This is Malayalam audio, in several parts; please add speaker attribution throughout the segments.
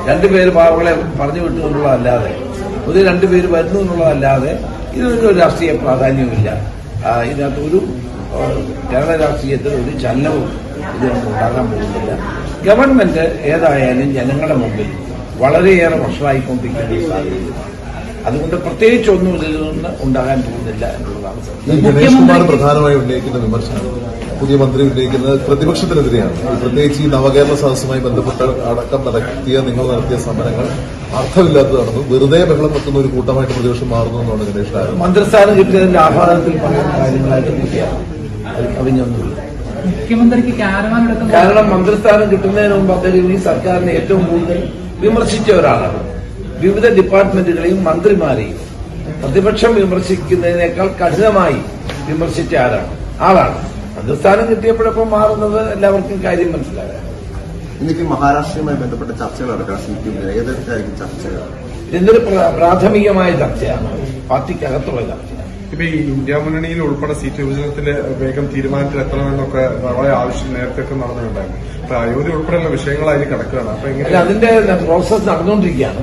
Speaker 1: രണ്ടുപേര് പാവങ്ങളെ പറഞ്ഞു വിട്ടു എന്നുള്ളതല്ലാതെ പുതിയ രണ്ടുപേര് വരുന്നു എന്നുള്ളതല്ലാതെ ഇതിനൊന്നും ഒരു രാഷ്ട്രീയ പ്രാധാന്യവുമില്ല. ഇതിനകത്ത് ഒരു കേരള രാഷ്ട്രീയത്തിൽ ഒരു ചലനവും ഇതിനൊന്നും ഉണ്ടാകാൻ പോകുന്നില്ല. ഗവൺമെന്റ് ഏതായാലും ജനങ്ങളുടെ മുമ്പിൽ വളരെയേറെ വഷളായിക്കൊണ്ടിരിക്കുന്ന സാഹചര്യം. അതുകൊണ്ട് പ്രത്യേകിച്ചൊന്നും ഇതിൽ നിന്ന് ഉണ്ടാകാൻ പോകുന്നില്ല എന്നുള്ളതാണ് സത്യം.
Speaker 2: ഗണേഷ് കുമാർ പ്രധാനമായി ഉന്നയിക്കുന്ന വിമർശനം പുതിയ മന്ത്രി ഉന്നയിക്കുന്നത് പ്രതിപക്ഷത്തിനെതിരെയാണ്. പ്രത്യേകിച്ച് ഈ നവകേരള സദസ്സുമായി ബന്ധപ്പെട്ട് അടക്കം നിങ്ങൾ നടത്തിയ സമരങ്ങൾ അർത്ഥമില്ലാത്തതാണെന്നും വെറുതെ ബഹളം വെക്കുന്ന ഒരു കൂട്ടമായിട്ട് പ്രതിപക്ഷം മാറുന്നു എന്നാണ് ഗണേഷ് ആരോപണം.
Speaker 1: മന്ത്രിസ്ഥാനം കിട്ടിയതിന്റെ ആഹ്ലാദത്തിൽ പറയുന്ന കാര്യങ്ങളായിട്ട് കിട്ടിയാണ് കവിഞ്ഞൊന്നുമില്ല.
Speaker 3: മുഖ്യമന്ത്രിക്ക്
Speaker 1: കാരണം മന്ത്രിസ്ഥാനം കിട്ടുന്നതിന് മുമ്പ് അദ്ദേഹം ഈ സർക്കാരിനെ ഏറ്റവും കൂടുതൽ വിമർശിച്ച ഒരാളാണ്. വിവിധ ഡിപ്പാർട്ട്മെന്റുകളെയും മന്ത്രിമാരെയും പ്രതിപക്ഷം വിമർശിക്കുന്നതിനേക്കാൾ കഠിനമായി വിമർശിച്ച ആളാണ്. മന്ത്രിസ്ഥാനം കിട്ടിയപ്പോഴൊപ്പം മാറുന്നത് എല്ലാവർക്കും കാര്യം മനസ്സിലാകാം.
Speaker 4: ഇന്നിക്ക് മഹാരാഷ്ട്രയുമായി ബന്ധപ്പെട്ട ചർച്ചകൾ നടക്കാം. സിപിഎമ്മിൽ ഏതൊക്കെയായിരിക്കും ചർച്ചകൾ?
Speaker 1: ഇതൊരു പ്രാഥമികമായ ചർച്ചയാണ്, പാർട്ടിക്കകത്തുള്ള ചർച്ചയാണ്.
Speaker 5: ഇപ്പൊ ഈ ഇന്ത്യ മുന്നണിയിൽ ഉൾപ്പെടെ സീറ്റ് വിഭജനത്തിൽ വേഗം തീരുമാനത്തിലെത്തണമെന്നൊക്കെ വളരെ ആവശ്യം നേരത്തെ നടന്നിട്ടുണ്ടായിരുന്നു. അപ്പൊ അയോധ്യ ഉൾപ്പെടെയുള്ള വിഷയങ്ങളായി കിടക്കുകയാണ്. അപ്പൊ എങ്ങനെ
Speaker 1: അതിന്റെ പ്രോസസ് നടന്നുകൊണ്ടിരിക്കുകയാണ്.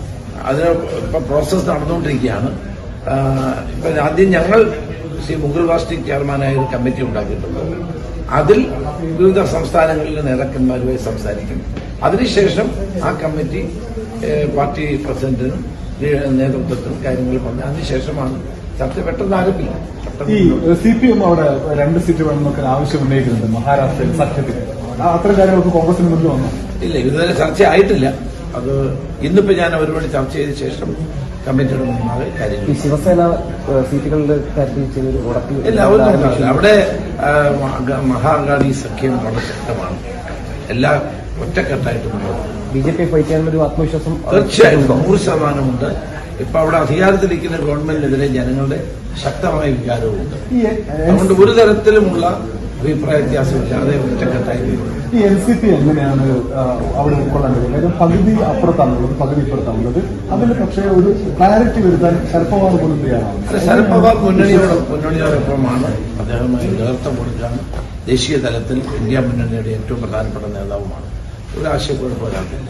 Speaker 1: ഇപ്പൊ ആദ്യം ഞങ്ങൾ ശ്രീ മുകുൾ വാസ്നിക് ചെയർമാനായ ഒരു കമ്മിറ്റി ഉണ്ടാക്കിയിട്ടുണ്ട്. അതിൽ വിവിധ സംസ്ഥാനങ്ങളിലെ നേതാക്കന്മാരുമായി സംസാരിക്കും. അതിനുശേഷം ആ കമ്മിറ്റി പാർട്ടി പ്രസിഡന്റിനും നേതൃത്വത്തിനും കാര്യങ്ങൾ പറഞ്ഞ് അതിനുശേഷമാണ് ചർച്ച പെട്ടെന്ന് ആരംഭിക്കും.
Speaker 6: ഈ സിപിഎം അവിടെ 2 സീറ്റ് വേണമെന്നൊക്കെ ആവശ്യം ഉന്നയിക്കുന്നുണ്ട് മഹാരാഷ്ട്രയിൽ സഖ്യത്തിൽ. അത്തരം കാര്യങ്ങൾക്ക് കോൺഗ്രസിന് മുന്നിൽ വന്നു
Speaker 1: ഇല്ല, ഇതുവരെ ചർച്ച ആയിട്ടില്ല. അത് ഇന്നിപ്പോ ഞാൻ അവരോട് ചർച്ച ചെയ്ത ശേഷം കമ്മിറ്റിയുടെ മുമ്പാകെ കാര്യങ്ങൾ.
Speaker 7: ശിവസേന സീറ്റുകളുടെ കാര്യത്തിൽ
Speaker 1: ഇല്ല, അവരൊന്നും അവിടെ മഹാഗാഡി സഖ്യം വളരെ ശക്തമാണ്. എല്ലാ ഒറ്റക്കെട്ടായിട്ട് മുന്നോട്ട്
Speaker 7: ബിജെപി ഫൈറ്റ് ചെയ്യാനുള്ള ഒരു ആത്മവിശ്വാസം
Speaker 1: തീർച്ചയായും 100% ഇപ്പൊ അവിടെ അധികാരത്തിലിരിക്കുന്ന ഗവൺമെന്റിനെതിരെ ജനങ്ങളുടെ ശക്തമായ വികാരവുമുണ്ട്. അതുകൊണ്ട് ഒരു തരത്തിലുമുള്ള അഭിപ്രായ വ്യത്യാസമില്ലാതെ ഒറ്റക്കെട്ടായി
Speaker 6: ഈ എൻസിപി എങ്ങനെയാണ് അവിടെ ഉൾക്കൊള്ളേണ്ടത്? കാര്യം പകുതി അപ്പുറത്താണുള്ളത്, പകുതി ഇപ്പുറത്താണുള്ളത്. അതിൽ പക്ഷേ ഒരു ക്ലാരിറ്റി വരുത്താൻ ശരത് പവാർ പോലും തയ്യാറാണ്.
Speaker 1: ശരത് പവാർ മുന്നണിയോടൊപ്പമാണ്. അദ്ദേഹമായി നേതൃത്വം കൊടുക്കാൻ ദേശീയ തലത്തിൽ ഇന്ത്യ മുന്നണിയുടെ ഏറ്റവും പ്രധാനപ്പെട്ട നേതാവുമാണ്. ഒരു ആശയക്കുഴപ്പമില്ല.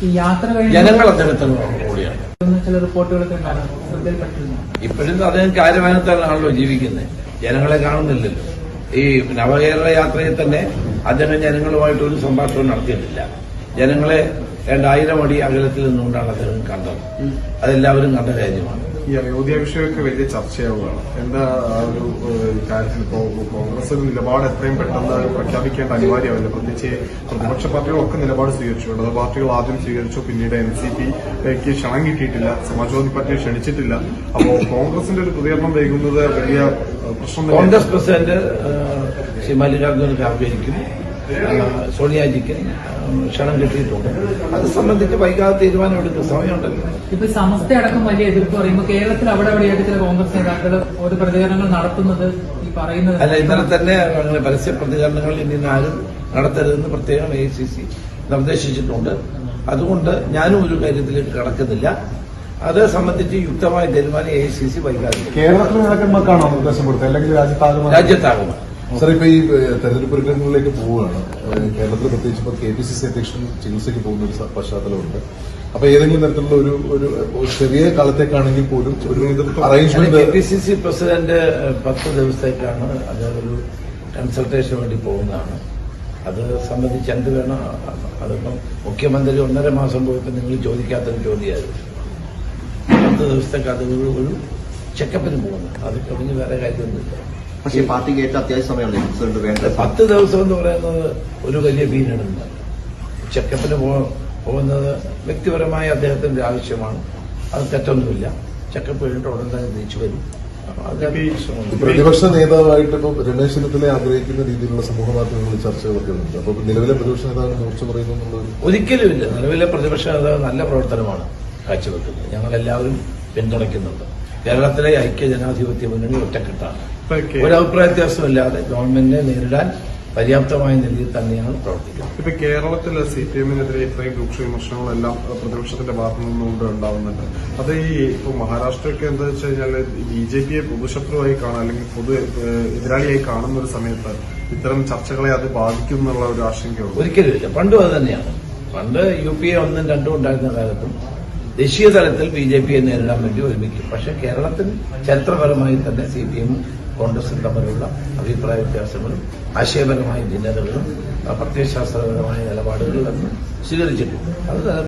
Speaker 1: ജനങ്ങൾ അദ്ദേഹത്തിന് കൂടിയാണ്.
Speaker 3: ചില റിപ്പോർട്ടുകളൊക്കെ
Speaker 1: ഇപ്പോഴും അദ്ദേഹം കാര്യവാനത്താണല്ലോ ജീവിക്കുന്നത്. ജനങ്ങളെ കാണുന്നില്ലല്ലോ. ഈ നവകേരള യാത്രയിൽ തന്നെ അദ്ദേഹം ജനങ്ങളുമായിട്ട് ഒരു സംഭാഷണം നടത്തിയിട്ടില്ല. ജനങ്ങളെ 2000 അടി അകലത്തിൽ നിന്നുകൊണ്ടാണ് അദ്ദേഹം കണ്ടത്. അതെല്ലാവരും കണ്ട കാര്യമാണ്.
Speaker 5: ഈ അയോധ്യ വിഷയമൊക്കെ വലിയ ചർച്ചയാവുകയാണ്. എന്താ ഒരു കാര്യത്തിൽ ഇപ്പോ കോൺഗ്രസ് നിലപാട് എത്രയും പെട്ടെന്ന് പ്രഖ്യാപിക്കേണ്ട അനിവാര്യമല്ല. പ്രത്യേകിച്ച് പ്രതിപക്ഷ പാർട്ടികളൊക്കെ നിലപാട് സ്വീകരിച്ചു. ഇടത് പാർട്ടികൾ ആദ്യം സ്വീകരിച്ചു, പിന്നീട് എൻസിപിക്ക് ക്ഷണം കിട്ടിയിട്ടില്ല, സമാജ്വാദി പാർട്ടിയെ ക്ഷണിച്ചിട്ടില്ല. അപ്പോ കോൺഗ്രസിന്റെ ഒരു പ്രതികരണം വൈകുന്നത് വലിയ പ്രശ്നം.
Speaker 1: കോൺഗ്രസ് പ്രസിഡന്റ് ശ്രീ മല്ലികാർജ്ജുന ഖാർഗെയ്ക്കും സോണിയാജിക്ക് ക്ഷണം കിട്ടിയിട്ടുണ്ട്. അത് സംബന്ധിച്ച് വൈകാതെ തീരുമാനമെടുക്കുന്ന സമയമുണ്ടല്ലോ.
Speaker 3: ഇപ്പൊ സമസ്ത അടക്കം വലിയ എതിർപ്പ് പറയുമ്പോൾ കേരളത്തിൽ അവിടെ അവിടെയായിട്ട് ചില കോൺഗ്രസ് നേതാക്കൾ ഒരു പ്രതികരണങ്ങൾ നടത്തുന്നത് ഈ പറയുന്നത്
Speaker 1: അല്ല. ഇന്നലെ തന്നെ അങ്ങനെ പരസ്യ പ്രതികരണങ്ങൾ ഇനി ആരും നടത്തരുതെന്ന് പ്രത്യേകം AICC നിർദ്ദേശിച്ചിട്ടുണ്ട്. അതുകൊണ്ട് ഞാനും ഒരു കാര്യത്തിലേക്ക് കടക്കുന്നില്ല. അത് സംബന്ധിച്ച് യുക്തമായ തീരുമാനം AICC വൈകാതെ.
Speaker 6: കേരളത്തിലെ നേതാക്കന്മാർക്കാണോ നിർദ്ദേശം കൊടുത്തത്, അല്ലെങ്കിൽ
Speaker 1: രാജ്യത്താകുമോ?
Speaker 2: സാർ, ഇപ്പൊ ഈ തെരഞ്ഞെടുപ്പ് ഒരുക്കങ്ങളിലേക്ക് പോവുകയാണ്. കേരളത്തിൽ പ്രത്യേകിച്ച് ഇപ്പൊ KPCC അധ്യക്ഷൻ ചികിത്സയ്ക്ക് പോകുന്ന ഒരു പശ്ചാത്തലമുണ്ട്. അപ്പൊ ഏതെങ്കിലും തരത്തിലുള്ള ഒരു ചെറിയ കാലത്തേക്കാണെങ്കിൽ പോലും ഒരു അറേഞ്ച്മെന്റ്.
Speaker 1: KPCC പ്രസിഡന്റ് 10 ദിവസത്തേക്കാണ് അത് ഒരു കൺസൾട്ടേഷന് വേണ്ടി പോകുന്നതാണ്. അത് സംബന്ധിച്ച് എന്ത് വേണം, അതിപ്പം മുഖ്യമന്ത്രി 1.5 മാസം പോയപ്പോൾ നിങ്ങൾ ചോദിക്കാത്തൊരു ചോദ്യമായിരുന്നു. 10 ദിവസത്തേക്ക് അത് ഒരു ചെക്കപ്പിന് പോകുന്നു. അത് കവിഞ്ഞ് വേറെ കാര്യമൊന്നുമില്ല.
Speaker 4: പക്ഷേ പാർട്ടിക്ക് ഏറ്റവും അത്യാവശ്യ സമയമാണ് പ്രസിഡന്റ് വേണ്ടത്.
Speaker 1: 10 ദിവസം എന്ന് പറയുന്നത് ഒരു വലിയ പീരീഡല്ല. ചെക്കപ്പിന് പോകുന്നത് വ്യക്തിപരമായ അദ്ദേഹത്തിന്റെ ആവശ്യമാണ്. അത് തെറ്റൊന്നുമില്ല. ചെക്കപ്പ് കഴിഞ്ഞിട്ട് ഉടൻ തന്നെ തിരിച്ചു വരും.
Speaker 2: പ്രതിപക്ഷ നേതാവായിട്ട് ഇപ്പം രമേശ് ചെന്നിത്തല ആഗ്രഹിക്കുന്ന രീതിയിലുള്ള സമൂഹ മാധ്യമങ്ങളിൽ ചർച്ചകളൊക്കെ ഉണ്ട്. അപ്പൊ നിലവിലെ പ്രതിപക്ഷ നേതാവിന് മൂർച്ച പറയുന്നു എന്നുള്ളത്
Speaker 1: ഒരിക്കലുമില്ല. നിലവിലെ പ്രതിപക്ഷ നേതാവ് നല്ല പ്രവർത്തനമാണ് കാഴ്ചവെക്കുന്നത്. ഞങ്ങളെല്ലാവരും പിന്തുണയ്ക്കുന്നുണ്ട്. കേരളത്തിലെ ഐക്യ ജനാധിപത്യ മുന്നണി ഒറ്റക്കെട്ടാണ്. ഒരഭിപ്രായ വ്യത്യാസമില്ലാതെ ഗവൺമെന്റിനെ നേരിടാൻ പര്യാപ്തമായ നിലയിൽ തന്നെയാണ് പ്രവർത്തിക്കുന്നത്.
Speaker 5: ഇപ്പൊ കേരളത്തിലെ CPM-നെതിരെ ഇത്രയും രൂക്ഷ വിമർശനങ്ങളെല്ലാം പ്രതിപക്ഷത്തിന്റെ ഭാഗത്തു നിന്നുകൊണ്ട് ഉണ്ടാവുന്നുണ്ട്. അത് ഈ ഇപ്പൊ മഹാരാഷ്ട്രയൊക്കെ എന്താ വെച്ച് കഴിഞ്ഞാൽ BJP-യെ പൊതുശത്രുവായി കാണാൻ അല്ലെങ്കിൽ പൊതു എതിരാളിയായി കാണുന്ന ഒരു സമയത്ത് ഇത്തരം ചർച്ചകളെ അത് ബാധിക്കും എന്നുള്ള ഒരു ആശങ്കയുണ്ട്.
Speaker 1: ഒരിക്കലുമില്ല. പണ്ടും അത് തന്നെയാണ്. പണ്ട് UPA 1, 2 ഉണ്ടായിരുന്ന കാലത്തും ദേശീയ തലത്തിൽ BJPയെ നേരിടാൻ വേണ്ടി ഒരുമിക്കും. പക്ഷെ കേരളത്തിൽ ചരിത്രപരമായി തന്നെ CPM-ഉം കോൺഗ്രസും തമ്മിലുള്ള അഭിപ്രായ വ്യത്യാസങ്ങളും ആശയപരമായ ഭിന്നതകളും പ്രത്യയശാസ്ത്രപരമായ നിലപാടുകളും സ്വീകരിച്ചിട്ടുണ്ട്. അത്